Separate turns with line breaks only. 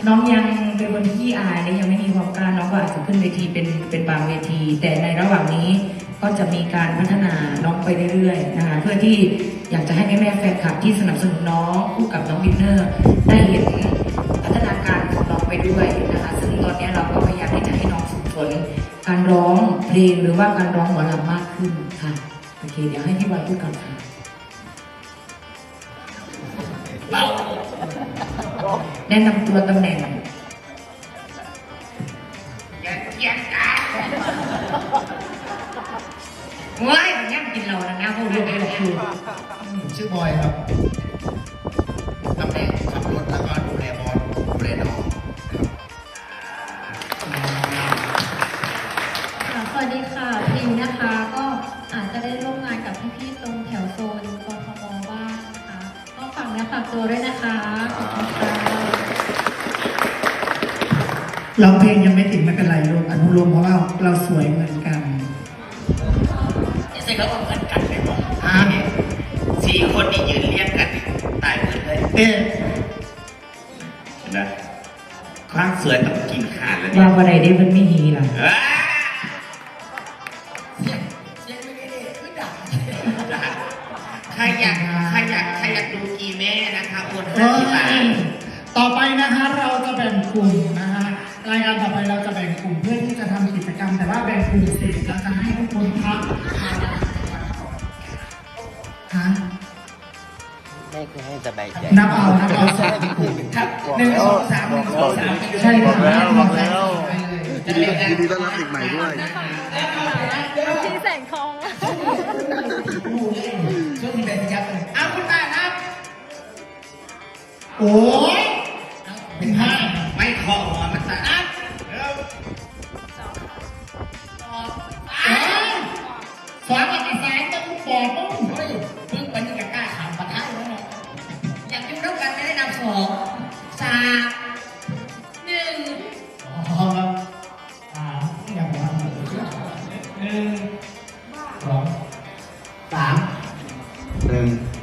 น้องยังเป็นคนที่ขี้อายและยังไม่มีความกล้าน้องก็อาจจะขึ้นเวทีเป็นบางเวที แต่ในระหว่างนี้ก็จะมีการพัฒนาน้องไปเรื่อยๆนะคะเพื่อที่อยากจะให้แม่ๆแฟนคลับที่สนับสนุนน้องคู่กับน้องวินเนอร์ได้เห็นพัฒนาการของน้องไปด้วยนะคะซึ่งตอนนี้เราก็พยายามที่จะให้น้องฝึกฝนการร้องเพลงหรือว่าการร้องหมอลำมากขึ้นค่ะโอเคเดี๋ยวให้พี่บอยพูดก่อนค่ะแนะนำตัวตำแหน่งว้ายมันย่ำกินเราแล้วนะพวกเรื่องนี้คือ
ชื่อบอยครับตำแหน่งขับรถแล้วก็ดูแลบอลดูแลน้อง
สวัสดีค่ะพิมนะคะก็อาจจะได้ร่วมงานกับพี่ๆตรงแถวโซนกทมบ้างนะคะก็ฝากเนื้อฝากตัวด้วยนะคะขอบคุณค่ะ
ร้องเพลงยังไม่ติดไม่เป็นไรลูกอนุโลมเพราะว่าเราสวยเหมือนกัน
เสร็จแล้วก็เหมือนกันเลยบอกเนี่ย4 คนนี่ยืนเรียงกันตายหมดเลย
เอ๊ะ
เห็นไหมความสวยต้องกินขาดแล้ว
ว่าวันใดได้มันไม่ฮีล่ะ
เสียงไม่ได้คือดังใครอยากดูกีแม่นะคะโอน50 บาท
ต่อไปนะคะเราจะแบ่งกลุ่มนะคะรายการต่อไปเราจะแบ่งกลุ่มเพื่อที่จะทำกิจกรรมแต่ว่าแบ่งกลุ่มเสร็จเราจะให้ทุกคนพักฮะ
ไม่คือให้สบายใจ
นับเอาสองกลุ่มครับ1 2 3 1 2 3ใช่ครับ
บอกแล้ว
ยินดีต้อนรับเด็กใหม่ด้วย
ที่แสงทอง
ช่วงที่เป็นยับเลยเอาคุณตาครับ
โอ้ยเป็นห้า
ไม่ขอหัวมันตาครับ
สอนกับสายจะต้องบอกต้อง
เฮ้ยเพิ่งเป็นกล้าขำปะทะแล้วเนี่ยอยากอยู่ร่วมกันไม่ได้นำ2 3 1
อ๋ออย่างว่า1 2 3
1